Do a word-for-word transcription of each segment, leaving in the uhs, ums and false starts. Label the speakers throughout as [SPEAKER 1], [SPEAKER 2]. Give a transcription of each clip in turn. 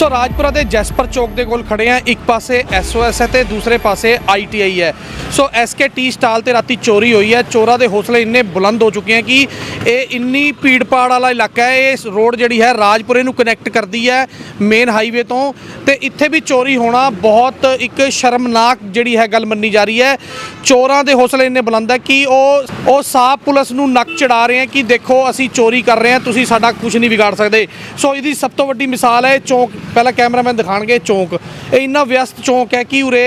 [SPEAKER 1] सो राजपुरा के जैसपर चौक के कोल खड़े हैं। एक पासे एस ओ एस है तो दूसरे पासे आई टी आई है। So S K T stall से राती चोरी हुई है। चोरों के हौसले इन्ने बुलंद हो चुके हैं कि ये इन्नी भीड़ भाड़ वाला इलाका है। ये रोड जी है राजपुरे नूं कनैक्ट करती है मेन हाईवे तो ते इत्थे भी चोरी होना बहुत एक शर्मनाक जी है गल मन्नी जा रही है। चोरों के हौसले इन्ने बुलंद है कि वो साफ पुलिस नूं नक चढ़ा रहे हैं कि देखो असी चोरी कर रहे हैं, तुसीं साडा कुछ नहीं बिगाड़ सकते। सो इसकी सब तो वड्डी मिसाल है चौक। पहला कैमरामैन दिखाणगे चौक। ये इन्ना व्यस्त चौक है कि उरे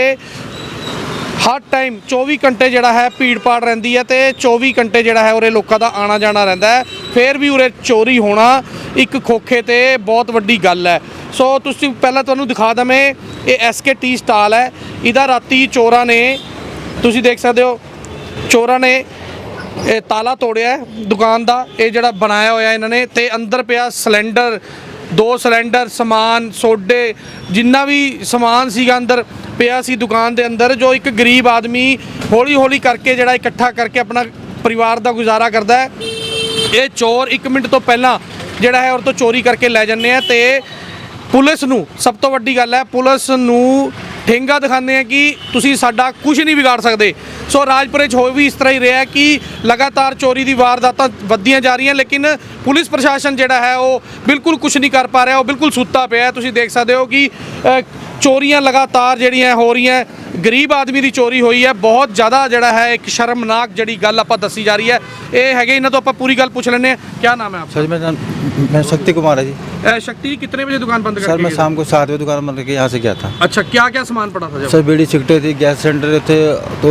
[SPEAKER 1] हर टाइम चौबी घंटे जोड़ा है भीड़ भाड़ रही है तो चौबी घंटे जोड़ा है उरे लोगों का आना जाना रहिंदा है। फिर भी उरे चोरी होना एक खोखे ते बहुत वड्डी गल है। सो तुसीं पहला तुहानूं दिखा दा मैं ये एस के टी स्टाल है। इहदा राती चोरां ने तुसीं देख सकते हो चोरां ने ਇਹ ਤਾਲਾ ਤੋੜਿਆ ਦੁਕਾਨ ਦਾ। ਇਹ ਜਿਹੜਾ ਬਣਾਇਆ ਹੋਇਆ ਇਹਨਾਂ ਨੇ ਤੇ ਅੰਦਰ ਪਿਆ ਸਿਲੰਡਰ, ਦੋ ਸਿਲੰਡਰ, ਸਮਾਨ, ਸੋਡੇ, ਜਿੰਨਾ ਵੀ ਸਮਾਨ ਸੀਗਾ ਅੰਦਰ ਪਿਆ ਸੀ ਦੁਕਾਨ ਦੇ ਅੰਦਰ, ਜੋ ਇੱਕ ਗਰੀਬ ਆਦਮੀ ਹੌਲੀ ਹੌਲੀ ਕਰਕੇ ਜਿਹੜਾ ਇਕੱਠਾ ਕਰਕੇ ਆਪਣਾ ਪਰਿਵਾਰ ਦਾ ਗੁਜ਼ਾਰਾ ਕਰਦਾ ਹੈ। ਇਹ ਚੋਰ ਇੱਕ ਮਿੰਟ ਤੋਂ ਪਹਿਲਾਂ ਜਿਹੜਾ ਹੈ ਉਹ ਤੋਂ ਚੋਰੀ ਕਰਕੇ ਲੈ ਜਾਂਦੇ ਆ ਤੇ ਪੁਲਿਸ ਨੂੰ ਸਭ ਤੋਂ ਵੱਡੀ ਗੱਲ ਹੈ ਪੁਲਿਸ ਨੂੰ ठेंगा दिखाते हैं कि तुसी साडा कुछ नहीं बिगाड़ सकते। सो राजपुरे हो भी इस तरह ही रहा है कि लगातार चोरी की वारदातां वधियां जा रही हैं लेकिन पुलिस प्रशासन जिहड़ा है वो बिल्कुल कुछ नहीं कर पा रहा, वो बिल्कुल सुत्ता पिया। तुसी देख सकते हो कि चोरियां लगातार जिहड़ियां हो रही हैं। गरीब आदमी की चोरी हुई है। बहुत ज़्यादा जिहड़ा है एक शर्मनाक जिहड़ी गल आपां दसी जा रही है। ये है इन्हां तो आपां पूरी गल पूछ लैंदे हैं। क्या नाम है आपका?
[SPEAKER 2] सर मेरा नाम मैं शक्ति कुमार है जी।
[SPEAKER 1] शक्ति जी कितने बजे दुकान बंद कर?
[SPEAKER 2] सर मैं शाम को सात बजे दुकान बंद करके यहाँ से गया था।
[SPEAKER 1] अच्छा, क्या क्या सामान पड़ा था जब?
[SPEAKER 2] सर बीड़ी सिगरेटें थी, गैस सिलेंडर थे तो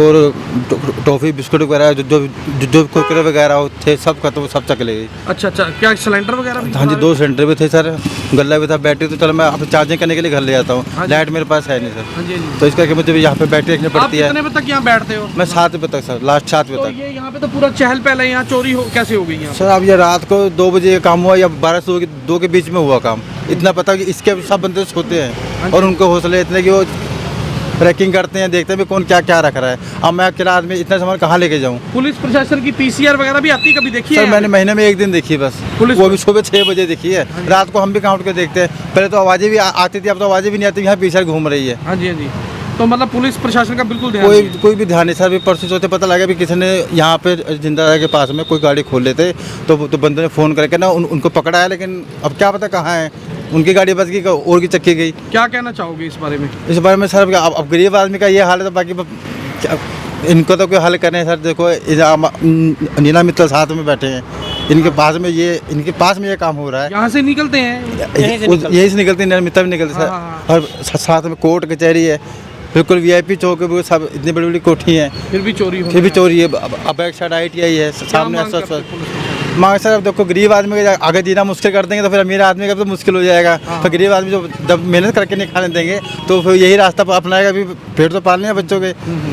[SPEAKER 2] टॉफ़ी बिस्कुट वगैरह जो जो जो कुरकुरे वगैरह थे सब खत्म, सब चक ले गई।
[SPEAKER 1] अच्छा अच्छा, क्या सिलेंडर वगैरह भी?
[SPEAKER 2] हाँ जी, दो सिलेंडर भी थे सर, गला भी था, बैटरी तो चलो मैं अब चार्जिंग करने के लिए घर ले जाता हूँ, लाइट मेरे पास है नहीं सर।
[SPEAKER 1] हाँ जी,
[SPEAKER 2] तो इस करके मुझे यहाँ पे बैटरी रखनी पड़ती है।
[SPEAKER 1] कितने बजे तक यहाँ बैठते हो?
[SPEAKER 2] मैं सात बजे तक सर, लास्ट सात बजे
[SPEAKER 1] तो
[SPEAKER 2] तक।
[SPEAKER 1] ये यहाँ पे तो पूरा चहल पहल है, यहाँ चोरी हो कैसे हो गई यहाँ?
[SPEAKER 2] सर अब ये रात को दो बजे काम हुआ या बारह से दो के बीच में हुआ काम। इतना पता कि इसके सब बंदे सोते हैं और उनको हौसले इतने कि वो ट्रैकिंग करते हैं, देखते हैं भी कौन क्या क्या रख रहा है। अब मैं अकेला आदमी इतना सामान कहाँ लेके जाऊँ?
[SPEAKER 1] पुलिस प्रशासन की पी सी आर वगैरह भी आती कभी देखी है?
[SPEAKER 2] सर मैंने महीने में एक दिन देखी बस,
[SPEAKER 1] पुलिस
[SPEAKER 2] वो भी सुबह छः बजे देखी है। रात को हम भी काउंट कर देखते हैं। पहले तो आवाज़ें भी आती थी, अब तो आवाज़ें भी नहीं आती। यहाँ पी सी आर घूम रही है।
[SPEAKER 1] हाँ जी हाँ जी। तो मतलब पुलिस प्रशासन का बिल्कुल ध्यान
[SPEAKER 2] कोई
[SPEAKER 1] नहीं।
[SPEAKER 2] कोई भी ध्यान नहीं सर। अभी परसों चौथे पता लगा भी किसी ने यहाँ पे जिंदा के पास में कोई गाड़ी खोल लेते तो तो बंदे ने फ़ोन करके ना उन, उनको पकड़ा है, लेकिन अब क्या पता कहाँ है। उनकी गाड़ी बच गई और की चक्की गई।
[SPEAKER 1] क्या कहना चाहोगे इस बारे में?
[SPEAKER 2] इस बारे में सर अब, अब गरीब आदमी का ये हाल है तो बाकी क्या, इनको तो कोई हल करें सर। देखो नीना मित्तल साथ में बैठे हैं, इनके पास में ये इनके पास में ये काम हो रहा है।
[SPEAKER 1] यहाँ से निकलते हैं,
[SPEAKER 2] यहीं से निकलते, यहीं से निकलते नीना मित्तल भी निकलते सर। और साथ में कोर्ट कचहरी है, बिल्कुल वी आई पी चौक है, सब इतनी बड़ी बड़ी कोठी हैं,
[SPEAKER 1] फिर भी चोरी
[SPEAKER 2] फिर भी चोरी है। अब एक साइड आई टी आई है सामने। मांग सर अब देखो गरीब आदमी का आगे जीना मुश्किल कर देंगे तो फिर अमीर आदमी का तो मुश्किल हो जाएगा। तो गरीब आदमी जो जब मेहनत करके नहीं खाने देंगे तो फिर यही रास्ता अपनाएगा। भी पेट तो पालने हैं बच्चों के।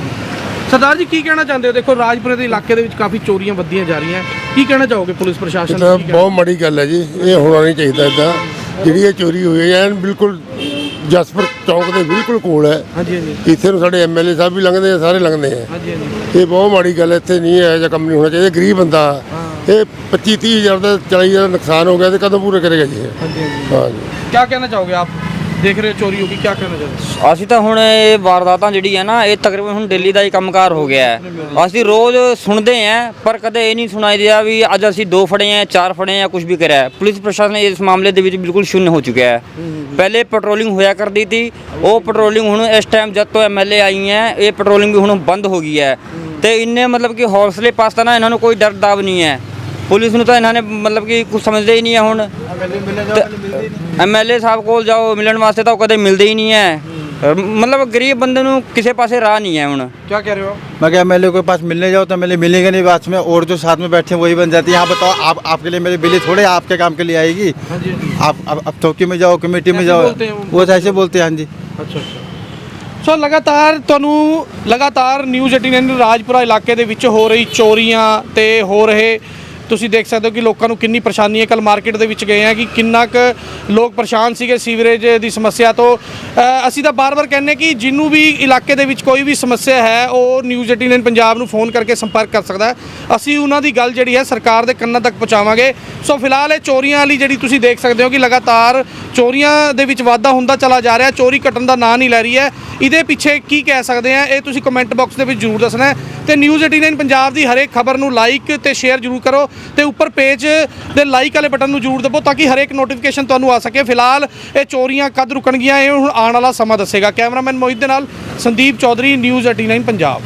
[SPEAKER 1] सरदार जी की कहना चाहते हो? देखो राजपुरे के इलाके ਦੇ ਵਿੱਚ ਕਾਫੀ ਚੋਰੀਆਂ ਵੱਧੀਆਂ ਜਾ ਰਹੀਆਂ, ਕੀ ਕਹਿਣਾ ਚਾਹੋਗੇ ਪੁਲਿਸ ਪ੍ਰਸ਼ਾਸਨ
[SPEAKER 3] ਦਾ? ਬਹੁਤ ਮਾੜੀ ਗੱਲ ਹੈ ਜੀ, ਇਹ ਹੋਣਾ ਨਹੀਂ ਚਾਹੀਦਾ। ਇੱਦਾਂ ਜਿਹੜੀ ਇਹ ਚੋਰੀ ਹੋਈ ਹੈ ਐਨ ਬਿਲਕੁਲ ਜਸਪਰ ਚੌਂਕ ਦੇ ਬਿਲਕੁਲ ਕੋਲ ਹੈ।
[SPEAKER 1] ਹਾਂਜੀ ਹਾਂਜੀ।
[SPEAKER 3] ਇੱਥੇ ਨੂੰ ਸਾਡੇ ਐਮ ਐਲ ਏ ਸਾਹਿਬ ਵੀ ਲੰਘਦੇ ਆ, ਸਾਰੇ ਲੰਘਦੇ ਆ।
[SPEAKER 1] ਹਾਂਜੀ ਹਾਂਜੀ।
[SPEAKER 3] ਇਹ ਬਹੁਤ ਮਾੜੀ ਗੱਲ ਹੈ, ਇੱਥੇ ਨਹੀਂ ਇਹੋ ਜਿਹਾ ਕੰਮ ਨਹੀਂ ਹੋਣਾ ਚਾਹੀਦਾ। ਗਰੀਬ ਬੰਦਾ ਇਹ ਪੱਚੀ ਤੀਹ ਹਜ਼ਾਰ ਦਾ ਚਾਲੀ ਹਜ਼ਾਰ ਦਾ ਨੁਕਸਾਨ ਹੋ ਗਿਆ ਤੇ ਕਦੋਂ ਪੂਰੇ ਕਰੇਗਾ ਜੀ?
[SPEAKER 1] ਹਾਂਜੀ ਹਾਂਜੀ।
[SPEAKER 3] ਹਾਂ ਜੀ।
[SPEAKER 1] क्या कहना चाहोगे आप? देख रहे हो चोरी होगी, क्या कहना चाहोगे?
[SPEAKER 4] ਅਸੀਂ ਤਾਂ ਹੁਣ ਇਹ ਵਾਰਦਾਤਾਂ ਜਿਹੜੀ ਹੈ ਨਾ ਇਹ ਤਕਰੀਬਨ ਹੁਣ ਦਿੱਲੀ ਦਾ ਹੀ ਕੰਮਕਾਰ ਹੋ ਗਿਆ ਹੈ। ਅਸੀਂ ਰੋਜ਼ ਸੁਣਦੇ ਹਾਂ ਪਰ ਕਦੇ ਇਹ ਨਹੀਂ ਸੁਣਾਈ ਦਿਆ ਵੀ ਅੱਜ ਅਸੀਂ ਦੋ ਫੜੇ ਆ, ਚਾਰ ਫੜੇ ਆ, ਕੁਝ ਵੀ ਕਰਿਆ। ਪੁਲਿਸ ਪ੍ਰਸ਼ਾਸਨ ਇਸ ਮਾਮਲੇ ਦੇ ਵਿੱਚ ਬਿਲਕੁਲ ਸ਼ੂન્ય ਹੋ ਚੁੱਕਿਆ ਹੈ। ਪਹਿਲੇ ਪੈਟਰੋਲਿੰਗ ਹੋਇਆ ਕਰਦੀ ਸੀ, ਉਹ ਪੈਟਰੋਲਿੰਗ ਹੁਣ ਇਸ ਟਾਈਮ ਜਦ ਤੋਂ ਐਮ ਐਲ ਏ ਆਈ ਹੈ ਇਹ ਪੈਟਰੋਲਿੰਗ ਵੀ ਹੁਣ ਬੰਦ ਹੋ ਗਈ ਹੈ। ਤੇ ਇੰਨੇ मतलब कि ਹੌਸਲੇ ਪਾਸਤਾ ਨਾ ਇਹਨਾਂ ਨੂੰ ਕੋਈ ਡਰ ਦਾਵ ਨਹੀਂ ਹੈ। पुलिस ਨੂੰ ਤਾਂ ਇਹਨਾਂ ਨੇ मतलब कि कुछ समझते ही नहीं है। ਹੁਣ ਐਮ ਐਲ ਏ ਸਾਹਿਬ ਕੋਲ ਜਾਓ ਮਿਲਣ ਵਾਸਤੇ ਤਾਂ ਉਹ ਕਦੇ ਮਿਲਦੇ ਹੀ ਨਹੀਂ ਹੈ। मतलब गरीब बंदे ਨੂੰ ਕਿਸੇ ਪਾਸੇ ਰਾਹ नहीं है। ਹੁਣ
[SPEAKER 1] क्या कह रहे हो?
[SPEAKER 2] मैं क्या एम एल ए के पास मिलने जाओ तो एम एल ए मिलेगा नहीं बाद में, और जो साथ में बैठे हैं वही बन जाती है। यहाँ बताओ आप आपके लिए मेरी बिल्ली थोड़े आपके काम के लिए आएगी।
[SPEAKER 1] हाँ जी।
[SPEAKER 2] आप अब चौकी में जाओ, कमेटी में जाओ, वो ऐसे बोलते हैं। हाँ जी।
[SPEAKER 1] अच्छा अच्छा। सो लगातार ਤੁਹਾਨੂੰ लगातार न्यूज़ अठारह राजपुरा इलाके ਦੇ ਵਿੱਚ ਹੋ ਰਹੀ ਚੋਰੀਆਂ ਤੇ ਹੋ ਰਹੇ ਤੁਸੀਂ देख सकते हो कि लोगों को कितनी परेशानी है। कल मार्केट ਦੇ ਵਿੱਚ ਗਏ हैं कि किन्ना क लोग परेशान ਸੀਗੇ सीवरेज की समस्या तो। ਅਸੀਂ ਤਾਂ बार बार कहने कि जिन्हों भी इलाके ਦੇ ਵਿੱਚ कोई भी समस्या है वो न्यूज़ अठारह पंजाब ਨੂੰ फोन करके संपर्क कर सकता है। ਅਸੀਂ ਉਹਨਾਂ ਦੀ ਗੱਲ ਜਿਹੜੀ ਹੈ सरकार ਦੇ ਕੰਨਾਂ तक पहुँचावांगे। सो फिलहाल ਇਹ ਚੋਰੀਆਂ ਵਾਲੀ ਜਿਹੜੀ ਤੁਸੀਂ देख सकते हो कि लगातार ਚੋਰੀਆਂ ਦੇ ਵਿੱਚ ਵਾਧਾ ਹੁੰਦਾ ਚਲਾ ਜਾ ਰਿਹਾ, ਚੋਰੀ ਘਟਣ ਦਾ ਨਾਂ ਨਹੀਂ ਲੈ ਰਹੀ ਹੈ। ਇਹਦੇ ਪਿੱਛੇ ਕੀ ਕਹਿ ਸਕਦੇ ਆ, ਇਹ ਤੁਸੀਂ ਕਮੈਂਟ ਬਾਕਸ ਦੇ ਵਿੱਚ ਜ਼ਰੂਰ ਦੱਸਣਾ ਹੈ। ਤੇ ਨਿਊਜ਼ ਏਟੀ ਨਾਈਨ ਪੰਜਾਬ ਦੀ ਹਰੇਕ ਖਬਰ ਨੂੰ ਲਾਈਕ ਤੇ ਸ਼ੇਅਰ ਜ਼ਰੂਰ ਕਰੋ ਤੇ ਉੱਪਰ ਪੇਜ ਦੇ ਲਾਈਕ ਵਾਲੇ ਬਟਨ ਨੂੰ ਜ਼ਰੂਰ ਦਬਾਓ ਤਾਂ ਕਿ ਹਰੇਕ ਨੋਟੀਫਿਕੇਸ਼ਨ ਤੁਹਾਨੂੰ ਆ ਸਕੇ। ਫਿਲਹਾਲ ਇਹ ਚੋਰੀਆਂ ਕਦ ਰੁਕਣਗੀਆਂ ਇਹ ਹੁਣ ਆਉਣ ਵਾਲਾ ਸਮਾਂ ਦੱਸੇਗਾ। ਕੈਮਰਾਮੈਨ ਮੋਹਿਤ ਦੇ ਨਾਲ Sandeep Chaudhary, news at nine Punjab.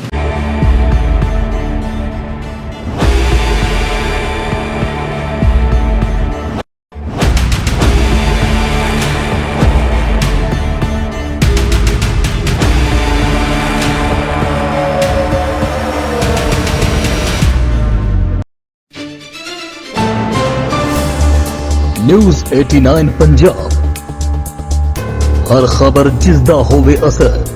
[SPEAKER 5] News at nine Punjab, ਹਰ ਖਬਰ ਜਿਸ ਦਾ ਹੋਵੇ ਅਸਰ।